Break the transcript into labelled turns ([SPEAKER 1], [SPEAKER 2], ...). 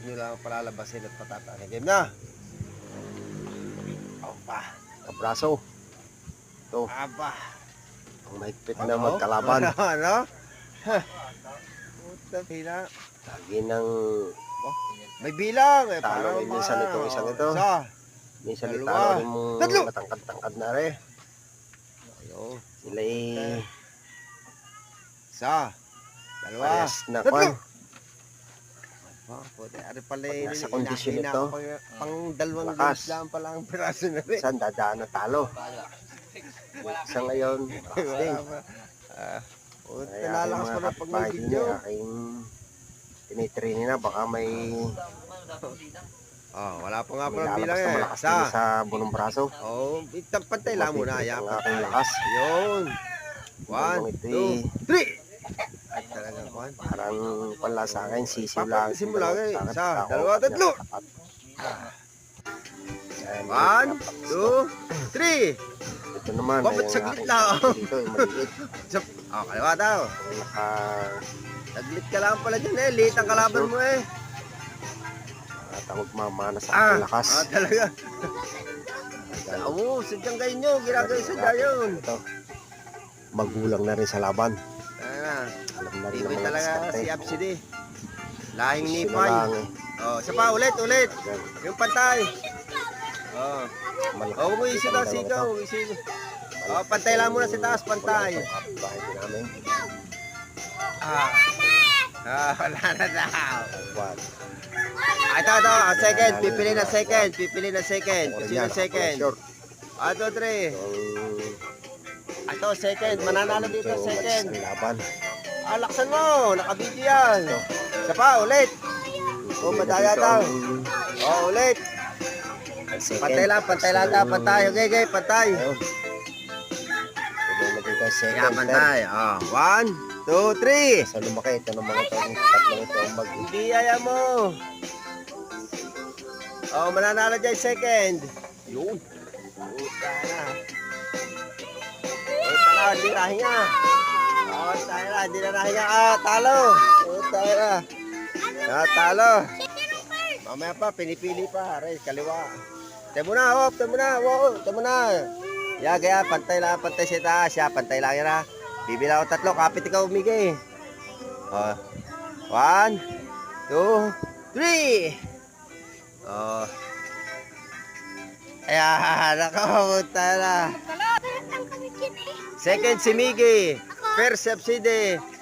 [SPEAKER 1] nyo lang palalabasin at patatanin. Game na! Opa!
[SPEAKER 2] Kabraso. Ito,
[SPEAKER 1] Aba!
[SPEAKER 2] ang mahigpit na magkalaban.
[SPEAKER 1] Ano? Puta, pila.
[SPEAKER 2] Lagi ng
[SPEAKER 1] May bilang eh.
[SPEAKER 2] talo. Minsan ito, isang ito.
[SPEAKER 1] Isa.
[SPEAKER 2] Minsan
[SPEAKER 1] Dalawa.
[SPEAKER 2] italo rin mong
[SPEAKER 1] Tatlo.
[SPEAKER 2] matangkad-tangkad na rin.
[SPEAKER 1] Ayun.
[SPEAKER 2] Sila ay
[SPEAKER 1] Isa. Dalawa.
[SPEAKER 2] parehas na
[SPEAKER 1] Tatlo.
[SPEAKER 2] kwan.
[SPEAKER 1] Puta, ano pala
[SPEAKER 2] Pag
[SPEAKER 1] yun?
[SPEAKER 2] nasa kondisyon
[SPEAKER 1] Inahina
[SPEAKER 2] ito,
[SPEAKER 1] ko pang dalawang
[SPEAKER 2] lakas.
[SPEAKER 1] games lang pala ang piraso na rin.
[SPEAKER 2] Minsan dadaan na talo. Sa ngayon, malakas din.
[SPEAKER 1] Puta,
[SPEAKER 2] Kaya
[SPEAKER 1] nalakas pa na pag may video.
[SPEAKER 2] aking tinitrain na baka may
[SPEAKER 1] Wala pa nga
[SPEAKER 2] may
[SPEAKER 1] pala
[SPEAKER 2] lalabas
[SPEAKER 1] bilang
[SPEAKER 2] na
[SPEAKER 1] eh.
[SPEAKER 2] malakas
[SPEAKER 1] Isa.
[SPEAKER 2] din sa bunong braso.
[SPEAKER 1] Pantay lang muna.
[SPEAKER 2] Mapipit
[SPEAKER 1] Ayan,
[SPEAKER 2] ang aking
[SPEAKER 1] pantay.
[SPEAKER 2] lakas.
[SPEAKER 1] Yun. One,
[SPEAKER 2] Hanggang ito'y
[SPEAKER 1] two, three. Ay, talaga, Juan.
[SPEAKER 2] parang pala sa akin, sisiw lang.
[SPEAKER 1] Papagisin mo lang eh.
[SPEAKER 2] Sa akin,
[SPEAKER 1] Isa,
[SPEAKER 2] ako,
[SPEAKER 1] dalawa, tatlo.
[SPEAKER 2] tapat. Ayan,
[SPEAKER 1] One,
[SPEAKER 2] dapat
[SPEAKER 1] two, three.
[SPEAKER 2] Ito naman,
[SPEAKER 1] Bakit
[SPEAKER 2] ay ang
[SPEAKER 1] saglit
[SPEAKER 2] aking
[SPEAKER 1] lang?
[SPEAKER 2] braso dito, ay maliit.
[SPEAKER 1] Kaliwa daw.
[SPEAKER 2] Kung
[SPEAKER 1] Saglit ka lang pala dyan eh. Late ang kalaban mo eh.
[SPEAKER 2] nakatangog mamana sa aking lakas.
[SPEAKER 1] Talaga.
[SPEAKER 2] Ayan.
[SPEAKER 1] Oo, sadyang kayo nyo. Ginagay sadya yun.
[SPEAKER 2] Ito, magulang na rin sa laban.
[SPEAKER 1] Ayan.
[SPEAKER 2] Alam na rin
[SPEAKER 1] Tibay
[SPEAKER 2] ng mga
[SPEAKER 1] talaga
[SPEAKER 2] diskarte.
[SPEAKER 1] si Absidi. Lahing
[SPEAKER 2] Sino
[SPEAKER 1] nipay.
[SPEAKER 2] lang eh.
[SPEAKER 1] Isa pa, ulit.
[SPEAKER 2] Ayan.
[SPEAKER 1] Yung pantay.
[SPEAKER 2] Malaki
[SPEAKER 1] Huwag mo isi daw,
[SPEAKER 2] ang dalawang
[SPEAKER 1] sigaw.
[SPEAKER 2] ito.
[SPEAKER 1] Isi. Pantay lang muna sa taas, pantay.
[SPEAKER 2] Bahay din namin.
[SPEAKER 1] Wala na daw.
[SPEAKER 2] One.
[SPEAKER 1] Ito. Second. Pipili na second. Sino second?
[SPEAKER 2] Short.
[SPEAKER 1] 1, 2, 3.
[SPEAKER 2] Itong
[SPEAKER 1] Ito, second. Mananalo dito, second.
[SPEAKER 2] Ang laban.
[SPEAKER 1] Laksan mo. Nakabidyo yan. Isa pa, ulit. Madaya daw. Ulit. Pantay lang daw. Pantay. Okay, pantay.
[SPEAKER 2] Ayun. Ito na second.
[SPEAKER 1] Pantay. 1, 2, 3.
[SPEAKER 2] Sa lumaki, ito ng mga tatlong ito ang mag...
[SPEAKER 1] Hindi ayaw mo. Mananalo dyan second. Yun. Puta na. Hindi na hinga. Hindi na nahinga. Talo. Puta na. Talo. Mamaya pa, pinipili pa. Aray, kaliwa. Tayo mo na. Gaya, pantay siya taas. Pantay lang yan ha. Bibila ko 3, kapit ikaw umigay. 1, 2, 3. Ayan, nakapunta na. Second si Miggy. First si Absidi.